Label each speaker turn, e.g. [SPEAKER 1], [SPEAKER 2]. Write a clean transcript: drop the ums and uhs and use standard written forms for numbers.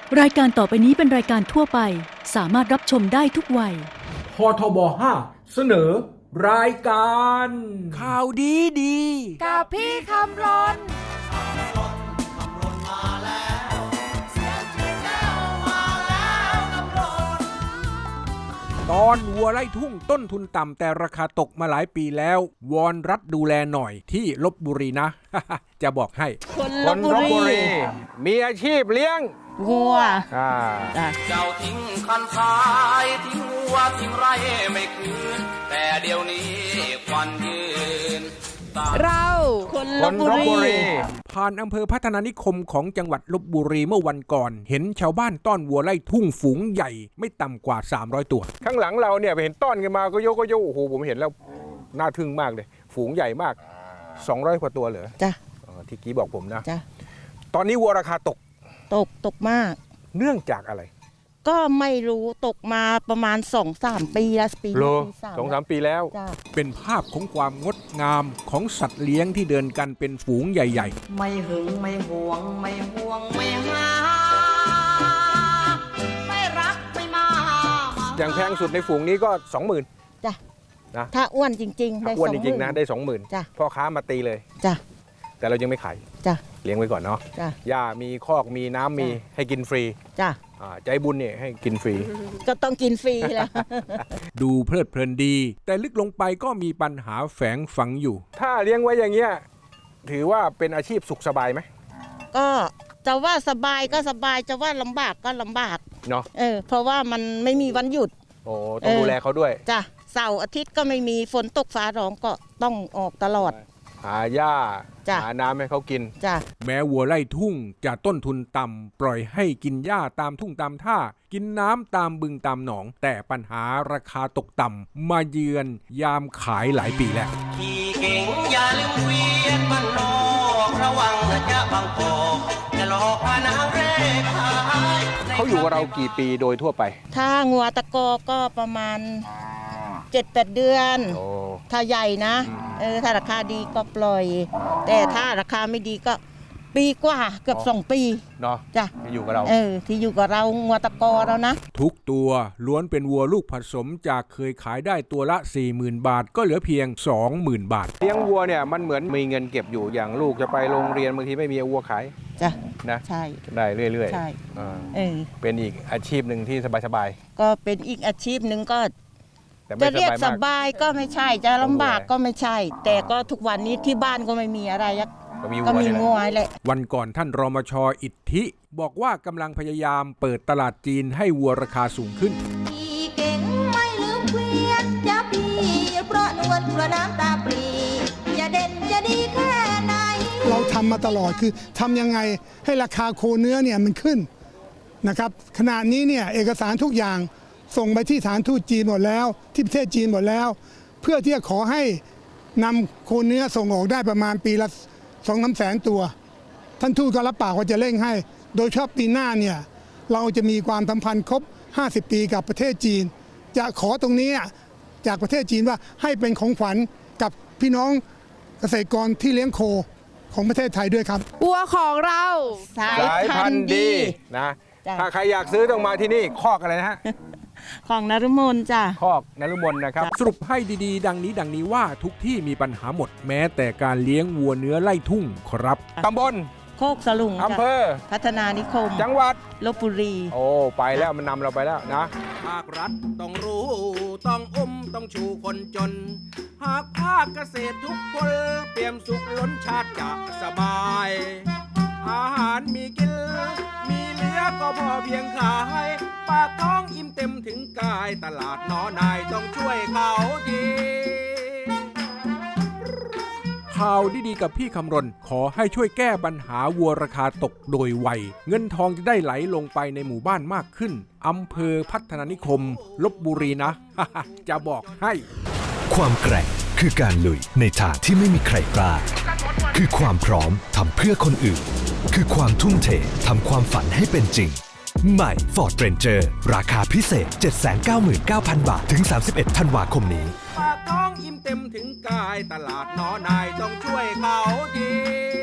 [SPEAKER 1] รายการต่อไปนี้เป็นรายการทั่วไปสามารถรับชมได้ทุกวัย
[SPEAKER 2] พทบ5เสนอรายการ
[SPEAKER 3] ข่าวดี
[SPEAKER 4] กับพี่คำรน
[SPEAKER 3] ตอนวัวไร่ทุ่งต้นทุนต่ำแต่ราคาตกมาหลายปีแล้ววอนรัฐดูแลหน่อยที่ลพบุรีนะ จะบอกให้
[SPEAKER 4] คนลพบุรี
[SPEAKER 3] มีอาชีพเลี้ยง
[SPEAKER 4] วัว
[SPEAKER 5] เจ้าทิ้งคันท้ายทิ้งวัวทิ้งไร่ไม่คืนแต่เดี๋ยวนี้ควันยืน
[SPEAKER 4] เราคนลพบุรี
[SPEAKER 3] ผ่านอำเภอพัฒนานิคมของจังหวัดลพบุรีเมื่อวันก่อนเห็นชาวบ้านต้อนวัวไร่ทุ่งฝูงใหญ่ไม่ต่ำกว่า300ตัวข้างหลังเราเนี่ยไปเห็นต้อนกันมาก็โยกโอ้โหผมเห็นแล้วน่าทึ่งมากเลยฝูงใหญ่มาก200กว่าตัวเหรอ
[SPEAKER 4] จ้ะ
[SPEAKER 3] ที่กี้บอกผมนะ
[SPEAKER 4] จ้ะ
[SPEAKER 3] ตอนนี้วัวราคา
[SPEAKER 4] ตกมาก
[SPEAKER 3] เนื่องจากอะไร
[SPEAKER 4] ก็ไม่รู้ตกมาประมาณ 2-3 ปีแล้วปี
[SPEAKER 3] นี้2-3 ปีแล้วเป็นภาพของความงดงามของสัตว์เลี้ยงที่เดินกันเป็นฝูงใหญ่
[SPEAKER 5] ๆไม่หึงไม่หวงไม่ห่วงไม่หาไม่รักไม่มา
[SPEAKER 3] อย่างแพงสุดในฝูงนี้ก็ 20,000
[SPEAKER 4] จ้ะ
[SPEAKER 3] นะ
[SPEAKER 4] ถ้าอ้วนจริงๆได้
[SPEAKER 3] อ้วนจริงๆนะได้ 20,000
[SPEAKER 4] จ้ะ
[SPEAKER 3] พ่อค้ามาตีเลย
[SPEAKER 4] จ้ะ
[SPEAKER 3] แต่เรายังไม่ขาย
[SPEAKER 4] จ้ะ
[SPEAKER 3] เลี้ยงไว้ก่อนเนาะหญ้ามีคอกมีน้ำมีให้กินฟรี
[SPEAKER 4] จ้ะ
[SPEAKER 3] ใจบุญเนี่ยให้กินฟรี
[SPEAKER 4] ก็ต้องกินฟรีแล้ว
[SPEAKER 3] ดูเพลิดเพลินดีแต่ลึกลงไปก็มีปัญหาแฝงฝังอยู่ถ้าเลี้ยงไว้อย่างเงี้ยถือว่าเป็นอาชีพสุขสบายไหม
[SPEAKER 4] ก็จะว่าสบายก็สบายจะว่าลำบากก็ลำบาก
[SPEAKER 3] เนาะ
[SPEAKER 4] เพราะว่ามันไม่มีวันหยุด
[SPEAKER 3] โอ้ต้องดูแลเขาด้วย
[SPEAKER 4] จ้ะเสาร์อาทิตย์ก็ไม่มีฝนตกฟ้าร้องก็ต้องออกตลอด
[SPEAKER 3] หาหญ้าหาน้ำให้เขากินแม้วัวไร่ทุ่งจะต้นทุนต่ำปล่อยให้กินหญ้าตามทุ่งตามท่ากินน้ำตามบึงตามหนองแต่ปัญหาราคาตกต่ำมาเยือนยามขายหลายปีแล้ว
[SPEAKER 5] ขี่เก่งอย่าลืมเวียนมันนอกระวังจะบังกอกจะหลอกมานางเร่ขาย
[SPEAKER 3] เขาอยู่กับเรากี่ปีโดยทั่วไป
[SPEAKER 4] ถ้างัวตะกอก็ประมาณ7-8 เดือนถ้าใหญ่นะถ้าราคาดีก็ปล่อยแต่ถ้าราคาไม่ดีก็ปีกว่าเกือบ2 ปี
[SPEAKER 3] เนาะ
[SPEAKER 4] จ้ะ
[SPEAKER 3] ที่อยู่กับเรา
[SPEAKER 4] ที่อยู่กับเรางัวตะกอเรานะ
[SPEAKER 3] ทุกตัวล้วนเป็นวัวลูกผสมจากเคยขายได้ตัวละ 40,000 บาทก็เหลือเพียง 20,000 บาทเลี้ยงวัวเนี่ยมันเหมือนมีเงินเก็บอยู่อย่างลูกจะไปโรงเรียนบางทีไม่มีวัวขาย
[SPEAKER 4] จ้ะ
[SPEAKER 3] นะ
[SPEAKER 4] ใช่
[SPEAKER 3] ได้เรื่อย
[SPEAKER 4] ๆใช่
[SPEAKER 3] เป็นอีกอาชีพหนึ่งที่สบาย
[SPEAKER 4] ๆก็เป็นอีกอาชีพหนึ่งก็จะเรียกสบายก็ไม่ใช่จะลำบากก็ไม่ใช่แต่ก็ทุกวันนี้ที่บ้านก็ไม่มีอะไรก็มีงัวแหละ
[SPEAKER 3] วันก่อนท่านรมช.อิทธิบอกว่ากำลังพยายามเปิดตลาดจีนให้วัวราคาสูงขึ้น
[SPEAKER 6] เก่งไม่ลืมเวียนจะพี่เพราะนวลเพราะน้ำตาปรีจะเด่นจะดีแค่ไหน
[SPEAKER 7] เราทำมาตลอดคือทำยังไงให้ราคาโคเนื้อเนี่ยมันขึ้นนะครับขณะนี้เนี่ยเอกสารทุกอย่างส่งไปที่สถานทูตจีนหมดแล้วที่ประเทศจีนหมดแล้วเพื่อที่จะขอให้นำโคเนื้อส่งออกได้ประมาณปีละ 2-3 แสนตัวท่านทูตก็รับปากว่าจะเร่งให้โดยเฉพาะปีหน้าเนี่ยเราจะมีความสัมพันธ์ครบ50 ปีกับประเทศจีนจะขอตรงนี้จากประเทศจีนว่าให้เป็นของขวัญกับพี่น้องเกษตรกรที่เลี้ยงโคของประเทศไทยด้วยครับ
[SPEAKER 4] วัวของเราสายพันธุ์ดี
[SPEAKER 3] นะถ้าใครอยากซื้อต้องมาที่นี่คอกอะไรนะฮะ
[SPEAKER 4] ของนฤมลจ้ะ
[SPEAKER 3] คอกนฤมลนะครับสรุปให้ดีๆดังนี้ว่าทุกที่มีปัญหาหมดแม้แต่การเลี้ยงวัวเนื้อไล่ทุ่งครับตำบล
[SPEAKER 4] โคกสลุง
[SPEAKER 3] อำเภอ
[SPEAKER 4] พัฒนานิคม
[SPEAKER 3] จังหวัด
[SPEAKER 4] ลพบุรี
[SPEAKER 3] โอ้ไปแล้วมันนำเราไปแล้วนะ
[SPEAKER 5] ภาครัฐต้องรู้ต้องต้องชูคนจนหากภาคเกษตรทุกคนเปี่ยมสุขล้นชาติจะสบายอาหารมีกินมีเหลือก็พอเพียงขายปากท้องอิ่มเต็มถึงกายตลาดน้อนายต้องช่วยเขาดี
[SPEAKER 3] ข่าวดีๆกับพี่คำรณขอให้ช่วยแก้ปัญหาวัวราคาตกโดยไวเงินทองจะได้ไหลลงไปในหมู่บ้านมากขึ้นอำเภอพัฒนานิคมลพบุรีนะ จะบอกให้
[SPEAKER 8] ความแกร่งคือการลุยในทางที่ไม่มีใครกล้าคือความพร้อมทำเพื่อคนอื่นคือความทุ่มเททำความฝันให้เป็นจริงใหม่ Ford Ranger ราคาพิเศษ 799,000 บาทถึง31 ธันวาคมนี้
[SPEAKER 5] ปากท้องอิ่มเต็มถึงกายตลาดน้อนายต้องช่วยเขาดี